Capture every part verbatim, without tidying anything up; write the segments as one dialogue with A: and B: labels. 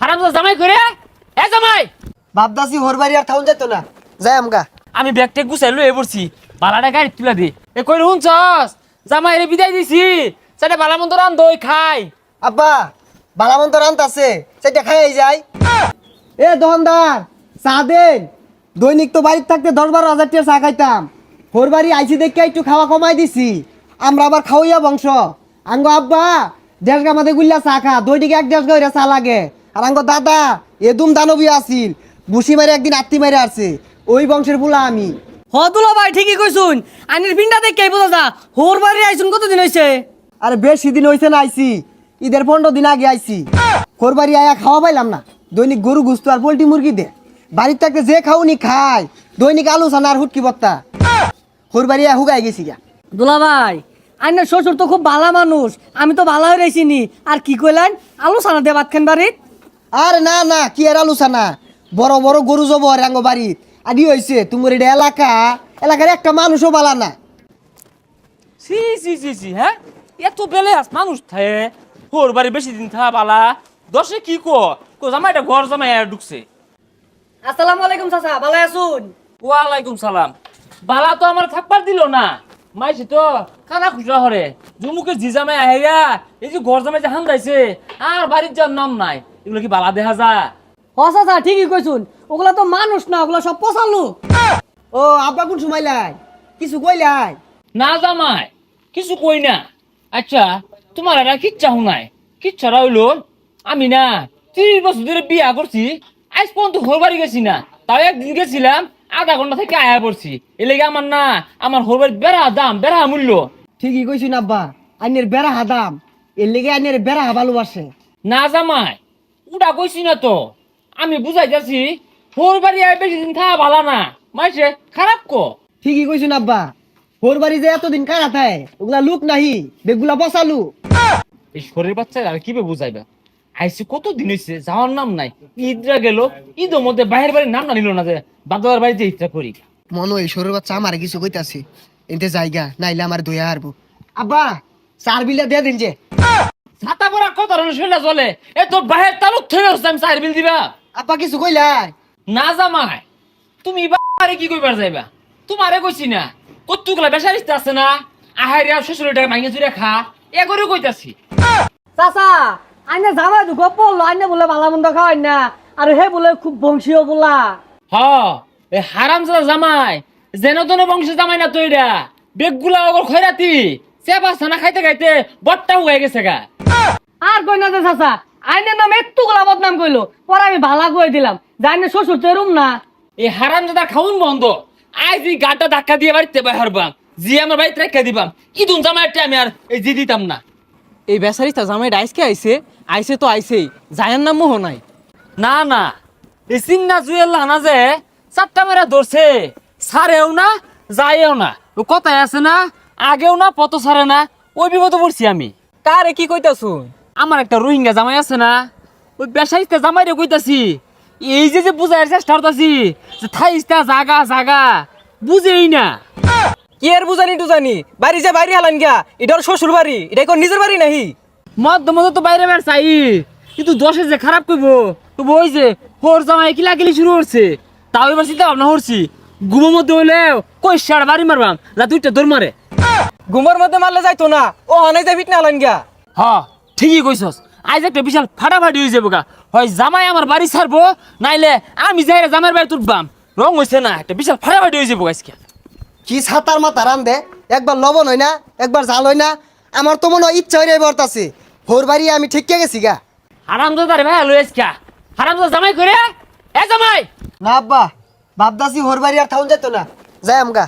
A: হারামজাদা জামাই করে এ জামাই
B: বাপদাসি হোর বাড়ি আর থাউন যেত না যাই আমগা।
A: আমি ব্যাগটা গুছাই লয়ে পড়ছি বালাটা গাড়ি তুলা দে এ কই হুনছস জামাই রে বিদায় দিছি সেটা বালা মন্দ রান দই খাই
B: আব্বা বালামন্ত রান্ত আছে সেটা খাই যাই। এ দোকানদার চা দেন। দৈনিক তো বাড়িতে থাকতে দশ বারো হাজার টাকা চা খাইতাম। হোর বাড়ি আইসি দেখে একটু খাওয়া কমাই দিছি। আমরা আবার খাওয়াইয়া বংশ। আঙ্গ আব্বা দেড় গা মাঝে গুল্লা চা খা দৈনিক এক দেড় গা চা লাগে। আর আঙ্গ দাদা এদুম দানবী আসিল বুসি মারে একদিন আত্মি মারে আসছে ওই বংশের বুলা আমি।
C: হদুলা ভাই ঠিকই কইছুন আনির পিন্ডা দেখে বোঝা যা হোর বাড়ি আইছুন কতদিন হইছে?
B: আরে বেশি দিন হয়েছে না আইসি ঈদের পনেরো দিন আগে আইসি। হোর বাড়ি আয়া খাওয়া পাইলাম না। দৈনিক গরু গুস্ত আর পোল্ট্রি মুরগি দে বাড়ির থাকতে যে খাওনি খায়। দৈনিক আলু সানা আর হুটকি বত্তা হোর বাড়ি আয়া হুগাই গেছি গা।
C: দুলা ভাই আইনের শ্বশুর তো খুব ভালো মানুষ আমি তো ভালো হয়ে রয়েছিনি আর কি কইলেন আলু সানা দিয়ে ভাত খান বাড়িত?
B: আর না না কি আর আলু সানা বড় বড় গরু জব রাঙ্গ বাড়িত আদি হয়েছে তোমার এটা এলাকা এলাকার একটা মানুষও বালা না।
A: সি সি সি সি হ্যাঁ এত বেলে আস মানুষ থাকে হোর বাড়ি বেশি দিন থা বালা দশে কি কো কো জামাইটা ঘর জামাই আর ঢুকছে।
C: আসসালামু আলাইকুম চাচা ভালো আছুন?
A: ওয়ালাইকুম সালাম বালা তো আমার থাকবার দিল না মাইছে তো খানা খুচরা হরে জুমুকে জি জামাই আহেরা এই যে ঘর জামাই যে হান যাইছে আর বাড়ির যার নাম নাই এগুলো কি বালা দেখা যা?
C: হ চাচা ঠিকই কইছুন ওগুলা তো মানুষ না ওগুলা সব পচালু।
B: ও আব্বা কোন সময় লাই কিছু কইলাই?
A: না জামাই কিছু কই না। আচ্ছা তোমার এরা কিচ্ছা শুনাই কিচ্ছারা হইলো আমি না ত্রিশ বছর ধরে বিয়া করছি আজ পর্যন্ত হোর বাড়ি গেছি না। তাও একদিন গেছিলাম আধা ঘন্টা থেকে আয়া পড়ছি এ লেগে আমার না আমার হোর বাড়ির বেড়া দাম বেড়া মূল্য।
B: ঠিকই কইছুন আব্বা আইনের বেড়া হাদাম এর লেগে আইনের বেড়া ভালোবাসে।
A: না জামাই উড়া কইছি না তো আমি বুঝাই যাচ্ছি হোর বাড়ি আয় বেশি দিন থাকা ভালো না মাইছে খারাপ কো।
B: ঠিকই কইছুন আব্বা হোর বাড়ি যে এতদিন কারা থায় ওগুলা লুক নাহি বেগুলা বসালু।
A: এই শরীর বাচ্চা আর কি বুঝাইবা আইসি কত দিন হয়েছে যাওয়ার নাম নাই ঈদরা গেল ঈদের মধ্যে বাইরের বাড়ির নাম না নিল না যে বাদার বাড়িতে ইচ্ছা করি
B: মনে হয় সরুর বাচ্চা আমার কিছু কইতাছি এতে জায়গা নাইলে আমার দয়া হারবো। আব্বা চার বিলা দিয়ে দিন যে
A: ছাতা পরা কত ধরনের শৈলা চলে এ তোর বাহের তালুক থেকে হচ্ছে আমি চার বিল দিবা।
B: আব্বা কিছু কইলাই?
A: না জামাই তুমি বাড়ি কি কইবার যাইবা তোমারে কইছি না কতগুলা বেসারিস্তে আছে না আহারে আর শ্বশুরের টাকা ভাঙে চুরে খা এ করে কইতাছি।
C: চাচা আইনে জামাই দুঃখ পড়লো আইনে বলে ভালো মন্দ খাওয়াই না আর হে বলে খুব বংশীয় বলা।
A: হ এ হারামজাদা জামাই যেন তেন বংশের জামাই না তো এটা বেগগুলা ওগর খয়রাতি চেপা ছানা খাইতে খাইতে বট্টা হয়ে গেছে গা।
C: আর কই না যে চাচা আইনের নাম একটু গোলা বদনাম কইলো পরে আমি ভালা কই দিলাম জানি শ্বশুর তো এরম না।
A: এই হারামজাদা খাউন বন্ধ আজ এই গাটা ধাক্কা দিয়ে বাড়িতে বাইর বাম জি আমার বাড়িতে রেখে দিবাম ইদুন জামাইটা আমি আর এই জি দিতাম না।
D: এই বেচারিটা জামাইটা আইসকে আইছে আইছে তো আইছেই জায়ার নাম মোহ নাই।
A: না না এই চিন্না জুয়েল না যে চারটা মেরা ধরছে সারেও না যায়ও না ও কথায় আছে না আগেও না পত সারে না ওই বিপদে পড়ছি আমি।
D: কারে কি কইতাছুন?
A: আমার একটা রোহিঙ্গা জামাই আছে না ওই বেসাইতে জামাই রে কইতাছি এই যে যে বুঝাইয়ের চেষ্টা করতাছি যে থাইস্তা জাগা জাগা বুঝেই না।
D: কি আর বুঝানি টুজানি বাড়ি যে বাইরে হালান গিয়া এটা ওর শ্বশুর বাড়ি এটা কোন নিজের বাড়ি নাহি?
A: মধ্য মধ্য তো বাইরে বের চাই কিন্তু দশে যে খারাপ করব তো ওই যে হোর জামাই কিলা কিলি শুরু করছে তাও এবার চিন্তা ভাবনা করছি ঘুমের মধ্যে হইলেও কই সার বাড়ি মারবাম যা দুইটা দৌড় মারে।
D: ঘুমের মধ্যে মারলে যাইতো না ও হানাই যাই ফিটনা হালান গিয়া।
A: হ ঠিকই কইছস আজ একটা বিশাল ফাটাফাটি হয়ে যাবো গা হয় জামাই আমার বাড়ি ছাড়বো নাইলে আমি যাই জামাইয়ের বাড়ি তুলবাম রং হয়েছে না একটা বিশাল ফাটাফাটি হয়ে যাবো আজকে।
B: কি ছাতার মাথা রান দে একবার লবণ হয় না একবার জাল হয় না আমার তো মনে হয় ইচ্ছা হয়ে বর্তাছে হোর বাড়ি আমি ঠিক গেছি গা।
A: হারামজাদা রে ভাই লই আজকে হারামজাদা জামাই করে এ জামাই
B: না আব্বা বাপদাসি হোর বাড়ি আর থাউন যেত না যাই আমগা।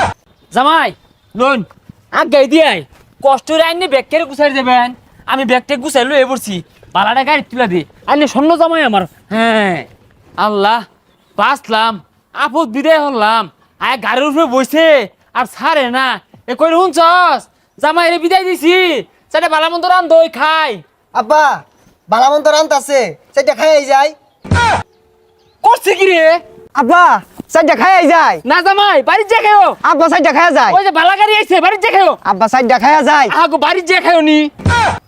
A: জামাই লোন আগে দিয়াই কষ্ট রে আইনে ব্যাগ কেড়ে গুছাই দেবেন আমি ব্যাগটা গুছাই লয়ে পড়ছি বালাটা গাড়ি তুলা দি আইনে স্বর্ণ জামাই আমার। হ্যাঁ আল্লাহ বাঁচলাম আপদ বিদায় হলাম আয় গাড়ির উপরে বসে আর ছাড়ে না এ কই শুনছস জামাই রে বিদায় দিছি সেটা বালা মন্দ রান দই খাই।
B: আব্বা বালামন্ত রান্ত আছে সেটা খাই যায়
A: করছে কি রে?
B: আব্বা সাইডটা খাই যায়
A: না জামাই বাড়ির যে খাও
B: আব্বা সাইডটা খাই যায়
A: ওই যে বালা গাড়ি আইছে বাড়ির যে খাও
B: আব্বা সাইডটা খাই যায়
A: আগো বাড়ির যে খাও নি